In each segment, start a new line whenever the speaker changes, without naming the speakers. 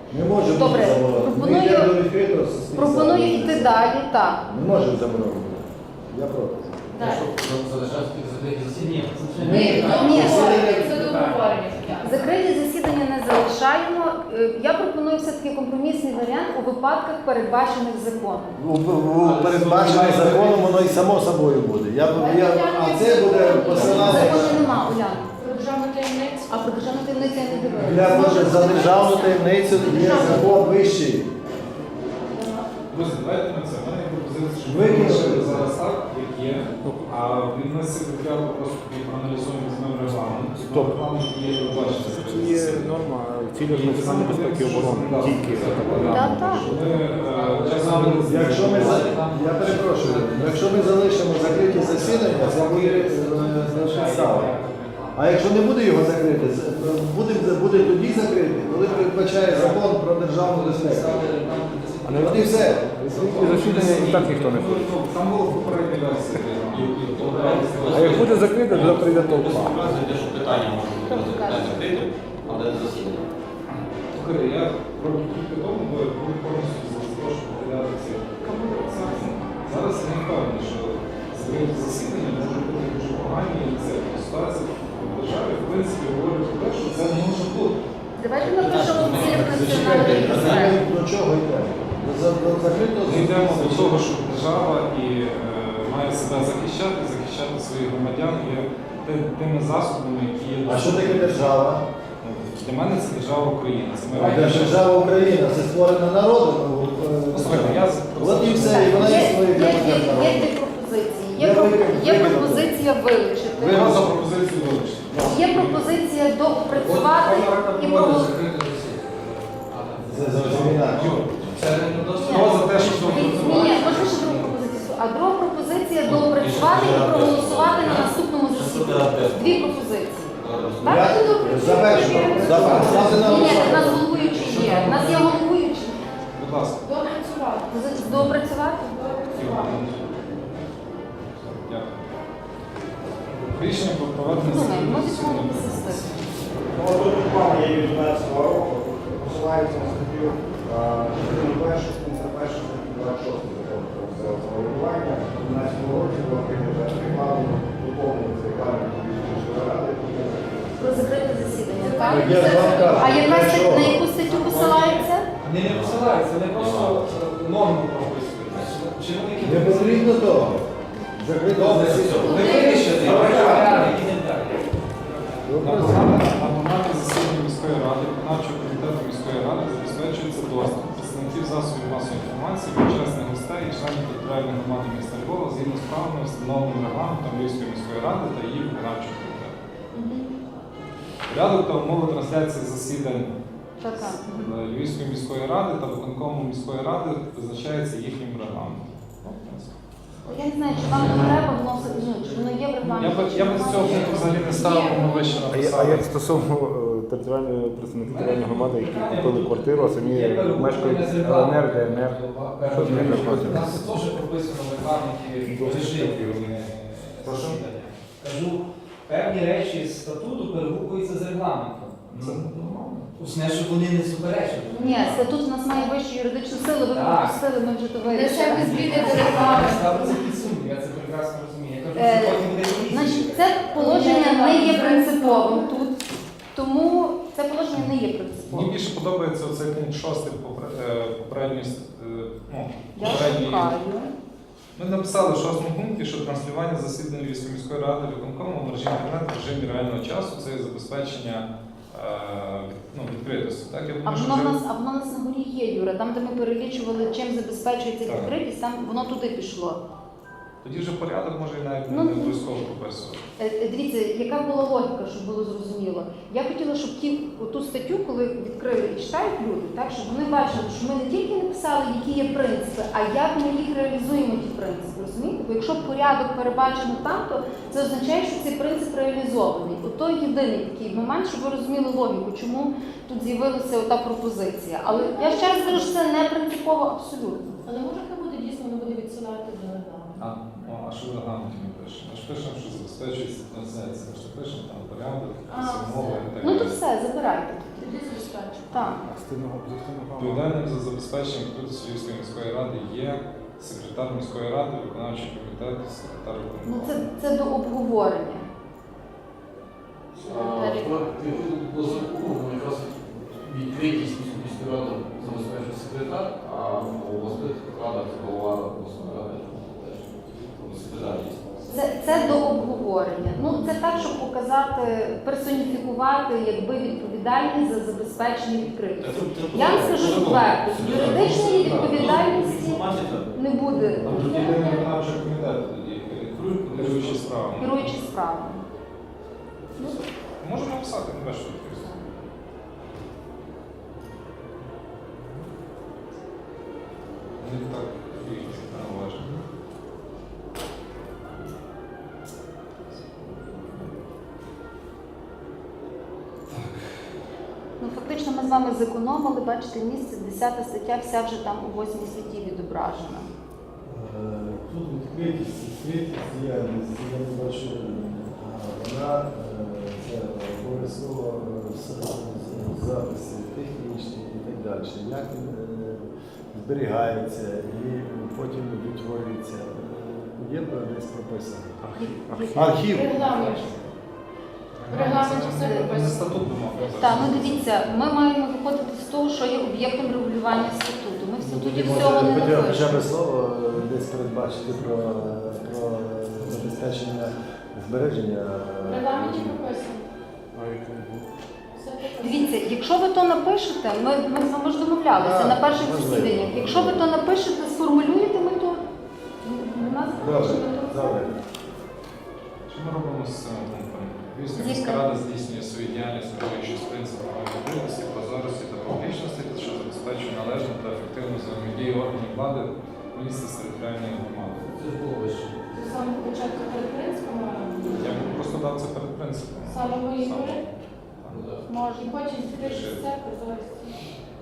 Не може бути
Добре,
заборонено. Ми йдемо до відкритого суспільства.
пропоную йти далі, так.
Не можемо заборонити. Я проти.
Ні, закриті засідання не залишаємо. Я пропоную все-таки компромісний варіант у випадках, передбачених законом.
Передбачене законом, воно і само собою буде. А це буде посилання.
Закону нема, Уляна. Про державну таємницю? А про державну таємницю я не дивилася.
За державну таємницю є закон вищий.
Друзі, давайте на це. У мене є пропозиція, що ми
Викинути.
залишили зараз так, як є, а від нас секретаріату просто проаналізуємо, візьмемо регламент.
Стоп.
Регламент є, ви бачите.
Це є норма цілях національної безпеки і оборони. Тільки
Так, так.
Якщо ми, я перепрошую, якщо ми залишимо закриті засідання, це буде підстава. А якщо не буде його закрити, буде тоді закрити, коли передбачає закон про державну безпеку. От і все.
і засідання і так ніхто не ходить.
Там було попередня версія.
А як буде закрите, то прийде толпа.
Показуєте, що питання може бути закритим, але не засідання.
Слухайте, я роблю кілька тому, бо буду повністю запрошую розглядати ці процеси. Зараз я не впевнений, що закриті засідання може бути дуже погані, і це ситуація в державі, в принципі, говорить про те, що це не може бути.
Давайте ми пишемо в цілях національної безпеки.
До чого йдемо? До закритого
Ми йдемо до
засідання.
того, що держава і має себе захищати своїх громадян і тими засобами, які є.
А що таке держава?
Для мене це держава Україна. Це моя
Держава Україна, це створена народом.
Послухайте, я
От і все, і вона існує для громадян народу.
Є дві пропозиції.
Я
Є пропозиція вилучити.
Ви за пропозицію вилучити.
Є пропозиція доопрацювати і проголосувати.
Це зовсім інакше.
Хто за те, що
Ні, можна ще другу пропозицію. А друга пропозиція доопрацювати і проголосувати на наступному засіданні. Дві пропозиції. Так?
За першу.
Ні, в нас головуючий є. У нас є головуючий.
Будь ласка.
Доопрацювати?
Дякую. Рішення про проведення
Думаю, ми
засідання.
відмовитися з цим.
Тут ухвала є від 12 року, посилається на статтю частину першу, пункт першу, статтю 26 закону про місцеве самоврядування. У 12 році було прийнято регламент, доповнюється регламент міської ради.
Про закрите засідання, так?
Я ж вам кажу,
А яка
що?
на яку статтю посилається?
Не посилається, вони просто норму прописують.
Не потрібно того. Закритого засідання.
Ви вирішите, йдемо далі.
На момент засідання міської ради, виконавчого комітету міської ради забезпечується доступ представників засобів масової інформації, почесних гостей і членів територіальної громади міста Львова згідно з правилами, встановленим регламентом Львівської міської ради та її виконавчого комітету. Порядок та умови трансляції засідань
Така.
Львівської міської ради та виконкому міської ради визначається їхнім регламентом.
Я не знаю, чи вам не треба вносити, ну, чи воно є в регламенті.
Я би з цього пункту взагалі не ставив, воно вище
А
написано.
як стосовно представників територіальної громади, які купили квартиру, а самі мешкають ЛНР, ДНР, що з ними
У
робити?
нас це теж прописано в регламенті режимів. Кажу, певні речі з статуту перегукуються з регламентом.
Це нормально.
Усне, щоб вони не суперечили.
Ні, статут у нас має вищу юридичну силу, ви
Так.
пропустили, ми вже то
Лише
вирішили.
без зміни до регламенту.
Ставиться під сумнів, я це прекрасно розумію. Я кажу, що потім буде різні.
Значить, це положення не є принциповим тут, тому це положення не є
Мені
принциповим.
більше подобається оцей пункт 6 попередньої.
Я шукаю.
Ми написали в 6 пункті, що транслювання засідань Львівської міської ради виконкому в мережі інтернет в режимі реального часу це є забезпечення відкритості. Так? Я
А
думаю, що
воно в
вже-
нас, на горі є, Юра, там, де ми перелічували, чим забезпечується
Так.
відкритість, там воно туди пішло.
тоді вже порядок може і навіть
Ну,
не обов'язково прописувати.
Дивіться, яка була логіка, щоб було зрозуміло. Я хотіла, щоб ту статтю, коли відкрили і читають люди, так, щоб вони бачили, що ми не тільки написали, які є принципи, а як ми їх реалізуємо, ті принципи. Розумієте? Бо якщо порядок перебачено там, то це означає, що цей принцип реалізований. Ото єдиний такий момент, щоб ви розуміли логіку, чому тут з'явилася ота пропозиція. Але я ще раз кажу, що це не принципово абсолютно.
Але може хай буде дійсно, не буде відсилати до регламенту.
А що в регламенті ми пишемо? Ми ж пишемо, що забезпечується трансляція. Ми ж не пишемо там порядок,
А,
якісь умови і так
Ну то
далі.
все, забирайте.
Тоді забезпечити.
Так.
Відповідальним за забезпечення відкритості Львівської міської ради є секретар міської ради, виконавчий комітет, секретар
Ну
виконкому.
це до обговорення.
По закону якраз відкритість міської ради забезпечує секретар, а у обласних радах це голова обласної ради. Секретар є.
Це до обговорення. Ну це так, щоб показати, персоніфікувати якби відповідальність за забезпечення відкритості. Я вам скажу відверто, юридичної відповідальності не буде
Там тоді йде виконавчий комітет, тоді керуючі справами.
керуючи справами.
Можемо написати, не бачу відкритості. Не так належить.
Ну фактично ми з вами зекономили, бачите, місце, 10 стаття, вся вже там у 8 статті відображена.
Тут відкритість діяльності, я не бачу, вона це обов'язково записи технічні і так далі. Як він зберігається і потім відтворюється. Є десь прописано. Архів.
Регламент. В регламенті все
Це
прописано.
статут вимог.
Так, ну дивіться, ми маємо виходити з того, що є об'єктом регулювання статуту. Ми в статуті всього не
Хоча б
напишемо.
слово десь передбачити про забезпечення збереження.
В регламенті прописано. Все прописано.
Дивіться, якщо ви то напишете, ми з вами ж домовлялися
Так,
на перших
можливо.
засіданнях. Якщо ви то напишете, сформулюєте, ми то у нас
Добре, добре.
Що ми робимо з цим пунктом? Львівська
Зі
міська
скарб.
рада здійснює свою діяльність, керуючись принципами відкритості, прозорості та публічності, що забезпечує належну та ефективну взаємодію органів влади міста з територіальною громадою.
Це ж було вище.
Це саме початку перед принципами.
Я б просто дав це перед принципом.
Саме мої
Саме.
говори.
Ну, так.
може.
І потім відкрити все прозорості.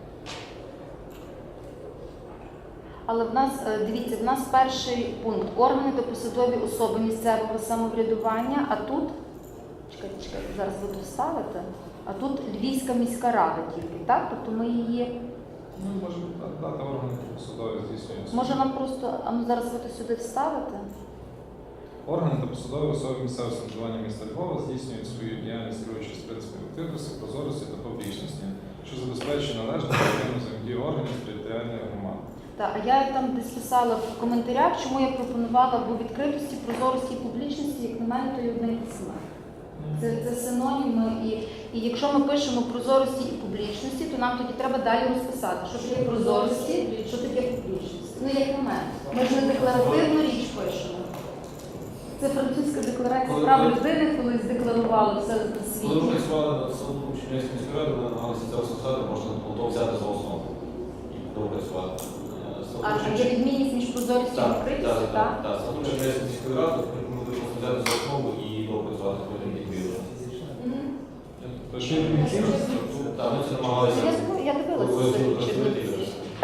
Але в нас, дивіться, в нас перший пункт – органи та посадові особи місцевого самоврядування, а тут, чекайте, зараз ви тут ставите, а тут Львівська міська рада тільки, так? Тобто ми її,
Ну, може дати органи посадові здійснюють.
може нам просто, а ну зараз ви то сюди вставите?
Органи та посадові особи місцевого самоврядування міста Львова здійснюють свою діяльність, керуючись принципами відкритості, прозорості та публічності, що забезпечує належну та ефективну взаємодію органів з територіальної громади.
Так, а я там десь писала в коментарях, чому я пропонувала, бо відкритості, прозорості і публічності, як на мене, то є одне і те саме. Це синоніми, і якщо ми пишемо прозорості і публічності, то нам тоді треба далі розписати, що таке прозорості, що таке публічність. Ну, як на мене. Ми ж не декларативну річ пишемо. Це французька декларація прав людини, колись декларували все на
Коли ми
світі.
працювали над статутом Чернівської міської ради, ми намагалися це розписати, можна було взяти за основу і допрацювати.
А є відмінність між прозорістю і відкритістю, так?
Так, статут Чернівської міської ради ми будемо взяти за основу і допрацювати потім відповідно.
Мгм.
То ще є
Так, ми це намагалися.
Я дивилася
Ви
це
розумієте,
Чернівці.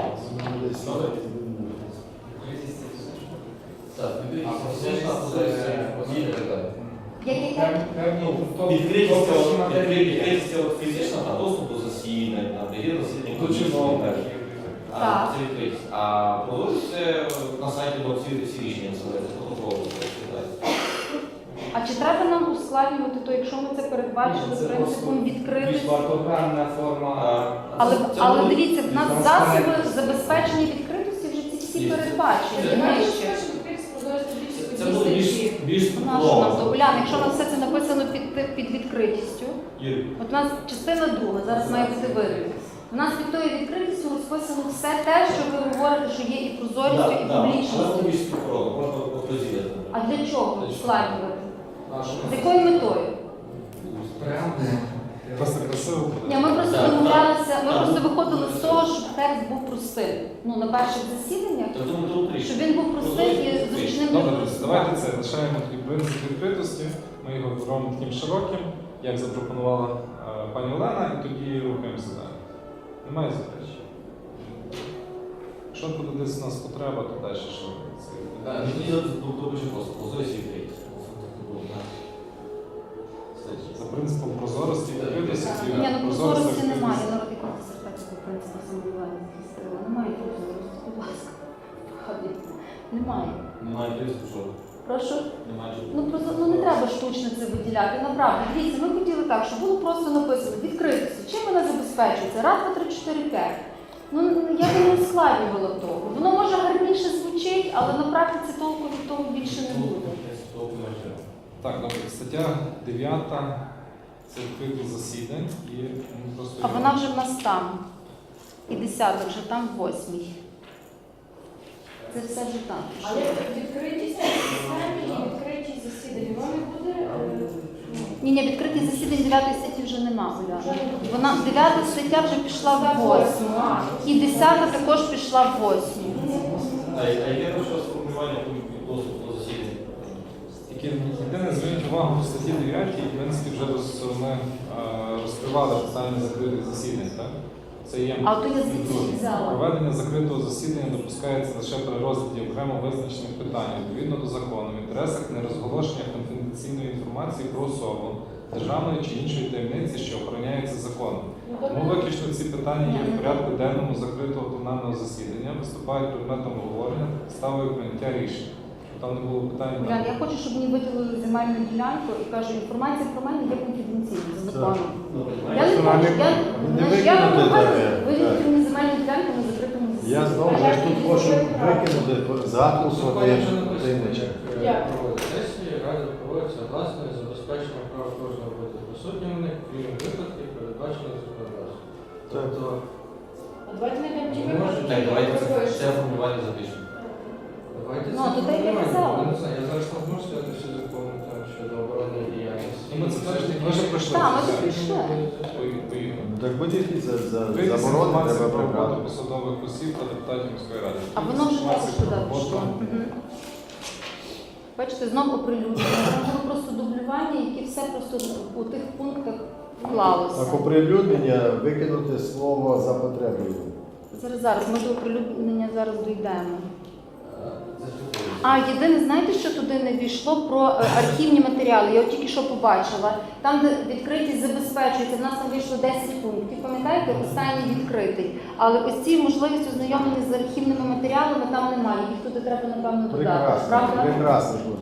Так, відповідно, позиція і так далі.
Яке?
Відкритість фізична, а доступ до засідань, є засідання,
До чиновників.
Так.
Це відкритість. А прозорість це на сайті було всі рішення називається, протокол.
А чи треба нам ускладнювати, то якщо ми це передбачили принципом відкритості?
Вартогранна форма.
Але дивіться, в нас засоби забезпечення відкритості вже ці всі передбачені.
Ти
Ми
маєш
ще.
першу відкритість прозорості більше
Це буде більш
Нащо нам то? Уляна, якщо у нас все це написано під відкритістю,
Юрій,
от у нас частина друга, зараз має бути вирівняна. У нас під тою відкритістю розписано все те, що ви говорите, що є і прозорістю, і
але
публічністю.
більш співпроводно, можна розділити.
А для чого ускладнювати? З якою метою?
Просто красиво буде.
Ні, ми просто
Так,
домовлялися, ми
так.
просто виходили з того, щоб текст був простим. Ну, на перших засіданнях,
Тобто ми тут
щоб він був простим і зручним для
Добре, друзі, давайте
користування.
це лишаємо такий принцип відкритості. Ми його робимо таким широким, як запропонувала пані Олена, і тоді рухаємося далі. Немає заперечень. Якщо буде десь у нас потреба, то далі що це.
Мені дуже просто, прозорість і відкритість.
За принципом прозорості і відкритості.
Ні, ну
прозорості,
прозорості
відкритості.
немає, народ і принципу самоврядування захистила. Немає прозорості, будь ласка. Немає.
Немає тиску, що?
Прошу.
Немає.
Ну не треба штучно це виділяти. Направду, дивіться, ми хотіли так, щоб було просто написано відкритися. Чим вона забезпечується? Раз, два, три, 4, 5. Ну я би не ускладнювала того. Воно може гарніше звучить, але на практиці толку від того більше не буде.
Так, добре. Стаття 9 це відкриті засідань і просто
А вона вже в нас там. І 10 вже там, 8. Це все вже там.
Але відкритість самі і відкритість засідань, воно не буде.
Ні, відкриті засідань 9 статті вже нема, Оля. Вона 9 стаття вже пішла в 8. І 10 також пішла в 8.
А яке ваше сформулювання доступу до засідання?
Тільки єдине, зверніть увагу в статті 9, і, в принципі, вже ми розкривали питання закритих засідань, так? Це є
А то я звідси взяла.
проведення закритого засідання допускається лише при розгляді окремо визначених питань, відповідно до закону, в інтересах нерозголошення конфіденційної інформації про особу, державної чи іншої таємниці, що охороняється законом. Тому виключно ці питання є в порядку денному закритого пленарного засідання, виступають предметом обговорення та підставою прийняття рішень. Там не було питань.
Улян, я хочу, щоб мені виділили земельну ділянку і кажу, інформація про мене є конфіденційною за законом. Я не хочу, я вимагаю, виділити мені земельну ділянку на закритому
Я
засіданні.
знову ж тут хочу викинути запуск таємнича.
Сесії ради проводяться власне забезпечення прав кожного бути присутнім в них, крім випадків, передбачених законодавством. Тобто,
А давайте знайдемо ті
не можна. Так, давайте це формування запишемо. Давайте
Ну, то так я казала.
Я не знаю, я зараз не можу сказати всі закони там щодо оборонної діяльності.
Ну, ми це ми вже пройшли.
Так, ми це пройшли.
Поїхали.
Так будь-які
Відкритість
заборони
інформації
треба
про роботу
прибрати.
посадових осіб та депутатів міської ради.
А воно вже також
Інформація
туди
про роботу.
пішло. Мгм. Бачите, знову оприлюднення. Там було просто дублювання, яке все просто у тих пунктах вклалося.
Так, оприлюднення викинути слово за потребою.
Зараз, ми до оприлюднення зараз дійдемо. А єдине, знаєте, що туди не війшло про архівні матеріали? Я от тільки що побачила. Там, де відкритість забезпечується, в нас там вийшло 10 пунктів. Пам'ятаєте, останній відкритий. Але ось ці можливість ознайомлення з архівними матеріалами там немає. Їх туди треба, напевно, додати.
Прекрасно,
Правда?
прекрасно.